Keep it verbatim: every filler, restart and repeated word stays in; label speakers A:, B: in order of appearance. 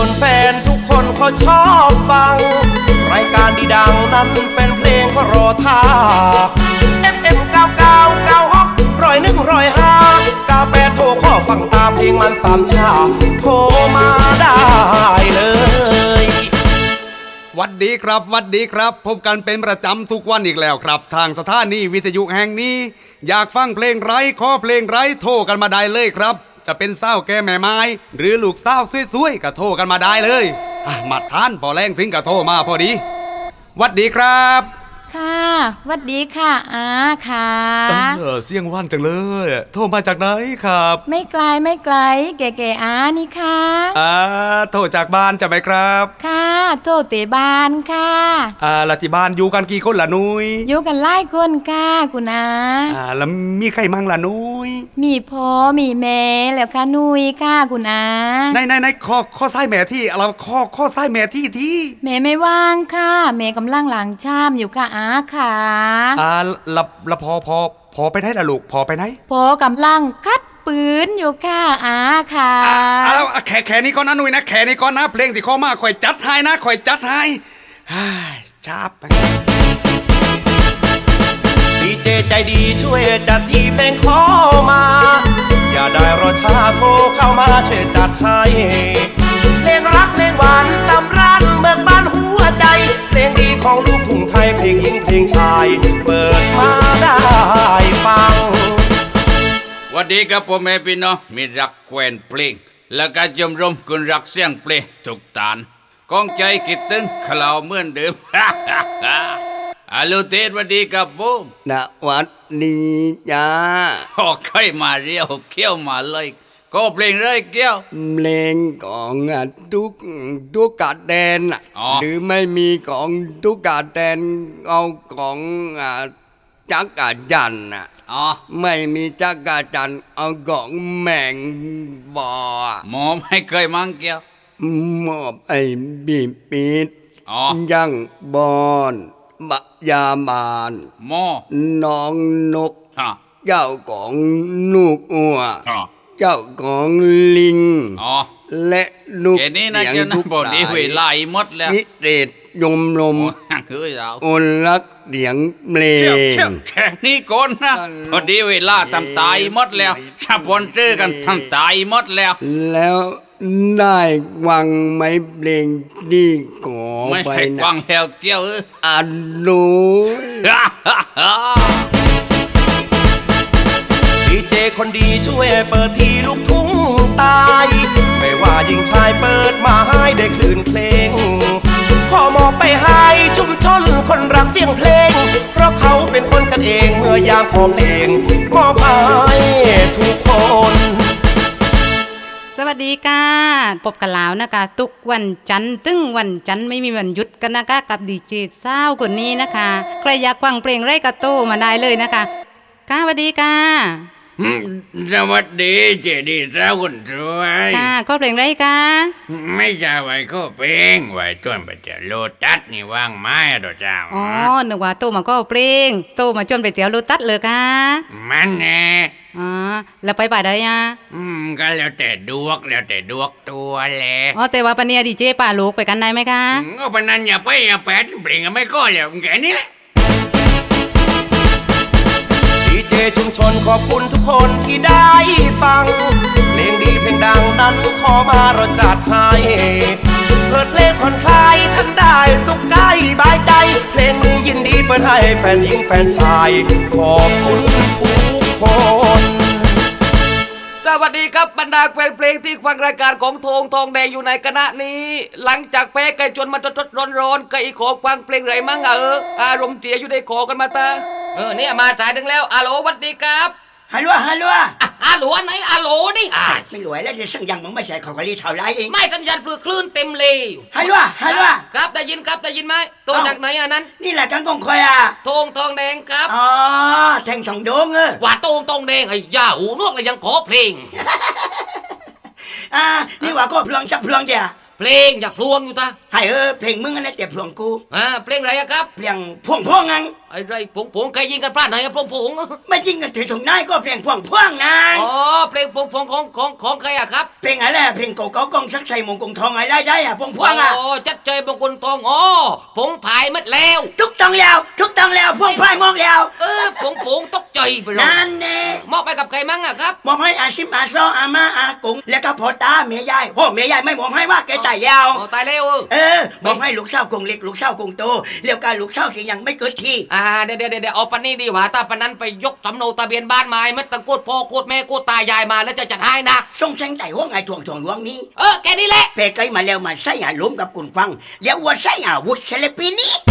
A: นแฟนทุกคนเขาชอบฟังรายการดีดังนั้นแฟนเพลงก็รอท่า เอฟ เอ็ม เก้าเก้า เก้าหกร้อยหนึ่งร้อยห้าเก้าแปดโทรข้อฟังตามเพลงมันสามชาโทรมาได้เลย
B: วัดดีครับวัดดีครับพบกันเป็นประจำทุกวันอีกแล้วครับทางสถานีวิทยุแห่งนี้อยากฟังเพลงไรขอเพลงไรโทรกันมาได้เลยครับจะเป็นเศร้าแก่แม่ไม้หรือลูกเศร้าสวยๆก็โทรกันมาได้เลยอ่ะมาทานพอแรงถึงก็โทรมาพอดีวัดดีครับ
C: ค่ะวัดดีค่ะอาค่ะ
B: เออเสียงว่านจังเลยโทรมาจากไหนครับ
C: ไม่ไกลไม่ไกลแก่ๆอานี่ค่ะ
B: อ่าโทรจากบ้านจะไหมครับ
C: ค่ะโทรเตบ้านค่ะ
B: อ่าแล้วที่บ้านอยู่กันกี่คนล่ะนุ้ย
C: อยู่กันหลายคนค่ะคุณอา
B: อ่าแล้วมีใครมั่งล่ะนุ้ย
C: มีพ่อมีแม่แล้วค่ะนุ้ยค่ะคุณอา
B: ในในในข้อข้อซ้ายแม่ที่เราข้อข้อซ้ายแม่ที่ที่
C: แม่ไม่ว่างค่ะแม่กำลังล้างชามอยู่ค่ะอาค่ะ
B: อ่าละละพอพอพอไปไหนล่ะลูกพอไปไหน
C: พอกำลังคัดปืนอยู่ค่ะอาค่ะ
B: อ่าแล้วแขแขนี้ก่อนนะนุ้ยนะแขนี้ก่อนนะเพลงที่ข้อมาข่อยจัดให้นะข่อยจัดให้ฮ่าจับไป
A: ดีเจใจดีช่วยจัดที่เพลงขอมาอย่าได้รอช้าโทรเข้ามาช่วยจัดให้เพลงรักเพลงหวานสำราญเบิกบานหัวใจเพลงดีของลูกทุ่งไทยเพลงหญิงเพลงชายเปิดมาได้ฟัง
D: วันดีครับพ่อแม่พี่น้องมีรักแควนเพลงและก็ชมรมคนรักเสียงเพลงทุกตานกองใจคิดถึงคลาวเหมือนเดิมฮัลโหลเทศวันดีครับผม
E: ณวัดนี้จ้า
D: โอ้ใครมาเรียวเขี้ยวมาเลยก็เพลงไรเกี้ยว
E: เพลงของทุกทุกกาแดนหรือไม่มีของทุกกาแดนเอาของจักรจันทร์
D: อ๋อ
E: ไม่มีจักรจันทร์เอาของแมงบอ
D: หมอไม่เคยมั่งเกี้ยว
E: มอบไอ้บีปิด
D: อ๋อ
E: ยังบอนบะยาบาน
D: หมอ
E: น้องนกเจ้าของลูกอัวเจ้าของลิงและลูก
D: เสียงทุกบดีเวลาหมดแล้ว
E: พิเศษยมลมอนรักเสียงเพลง
D: แค่นี้ก่อนนะพอดีเวลาทำตายหมดแล้วสปอนเซอร์กันทำตายหมดแล้ว
E: แล้วได้วังไหมเพลงนี่ก่อ
D: ไปนะไม่ใช่วังแล้วเกี้ยว
E: อันรู้
A: ดีเจคนดีช่วยเปิดทีลูกทุ่งตายไม่ว่าหญิงชายเปิดมาให้ได้คลื่นเพลงขอมอบไปให้ชุมชนคนรักเสียงเพลงเพราะเขาเป็นคนกันเองเมื่อยามขอเพลงมอบให้ทุกคน
F: สวัสดีค่ะพบกันแล้วนะคะทุกวันจันทร์ตึ้งวันจันทร์ไม่มีวันหยุดกันนะคะกับดีเจสาวคนนี้นะคะใครอยากฟังเพลงไรกระโตมาได้เลยนะคะค่ะสวัสดีค่ะ
G: สวัสดีเจดีสาวคนสวย
F: ค่ะก็เพลงไรคะ
G: ไม่ใช่ไว้ก็เพลงไว้จนไปเจอโลตัสนี่ว่างไม้ดอกจ้า
F: อ๋อนึกว่าโตมาก็เพลงโตมาจนไปเตี๋ยวโลตัสเลยค่ะ
G: มันแน่
F: อ๋อแล้วไปป่าได้ยัง
G: อืมก็แล้วแต่ดวกแล้วแต่ดวกตัวแหละ
F: อ๋อแต่ว่าปะเนี่ยดีเจป่าลูกไปกันได้ไหมคะ
G: ก็ปะนั้นอย่าไปอย่าแปดเพลงไม่ก็แล้วแค่นี้แหละ
A: ดีเจชุมชนขอบคุณทุกคนที่ได้ฟังเพลงดีเพลงดังนั้นขอมาเราจัดให้เปิดเพลงผ่อนคลายท่านได้สุขกายบายใจเพลงนี้ยินดีเปิดให้แฟนหญิงแฟนชายขอบคุณทุกคน
H: สวัสดีครับบรรดาแฟนเพลงที่ฟังรายการของโทงทองแดงอยู่ในคณะนี้หลังจากแพ้ไก่จนมาจดๆร้อนๆก็อีกขอฟังเพลงไรมั่งเอออารมณ์เสียอยู่ได้ขอกันมาตาเออเนี่ยมาสายถึงแล้วอาโหลสวัสดีครับ
I: ฮัลโหลฮัลโหล
H: อาโหลไหนอาโหลดิ
I: ไม่รวยแล้วจะสั่งยังมึงไม่ใช่ของกะลีเท่าไรเอง
H: ไม่สัญญาณปลือคลื่นเต็มเลย
I: ฮัลโหลฮัลโหล
H: ครับได้ยินครับได้ยินไหมโทรจากไหนอ่ะนั้น
I: นี่แหละกันกงคอยอ่ะ
H: โทงทองแดงครับ
I: อ๋อแทงช่องโดงเออ
H: ว่าโทงทองแดงไอ้ย่าหูนวกเลยยังขอเพลง
I: อ่านี่ว่าก็เพลงจับเพลงเดีย
H: เพลงอยากพลวงอยู่ตา
I: ให้เออเพลงมึงอันนั้นแต่พลวงกู
H: อ่าเพลงอะไรอะครับ
I: เพลงพวงพวงงัง
H: ไอ้ไรผงผงใครยิงกันพลาดไหนอะผงผง
I: ไม่จริงกันถือถุงนายก็เพลงพวงพวงนาง
H: อ๋อเพลงผงผงของของของใครอะครับ
I: เพลงอะไรเพลงเก่าๆกองสักใส่มงกงทองอะไรได้อะพวงพวงอ่ะ
H: อ๋อจัดใจบางคนทองอ๋อผงผายมัดแล้ว
I: ทุกต้องแล้วทุกต้องแล้วพวงพายมองแล้ว
H: เออผงผงตกใจไปเลย
I: นั่นแน่
H: มอบไปกับใครมั่งอะครับ
I: มอบให้อาซิมอาซออามาอากงแล้วก็พ่อตาเมียยายโอ้เมียยายไม่มอบให้ว่าแกตายแล้ว
H: อ๋อตายแล้วเออ
I: เออมอบให้ลูกสาวกงเล็กลูกสาวกงโตแล้วก็ลูกสาวที่ยังไม่เกิดที
H: อ่าเดี๋ยวเดี๋ยวเดี๋ยวเอาปันนี้ดีกว่าถ้าปันนั้นไปยกสำเนาทะเบียนบ้านมาไม่ต้องโกดพ่อโกดแม่โกดตายายมาแล้วจะจัดให้นะ
I: ส่งแสงใจห้วงไอ้ถ่วงถ่วงหลวงนี้
H: เออแกนี่แหละ
I: เพไกมาแล้วมาใส่อาล้มกับกุนฟังแล้วว่าใส่อาวุธเสลปีนี้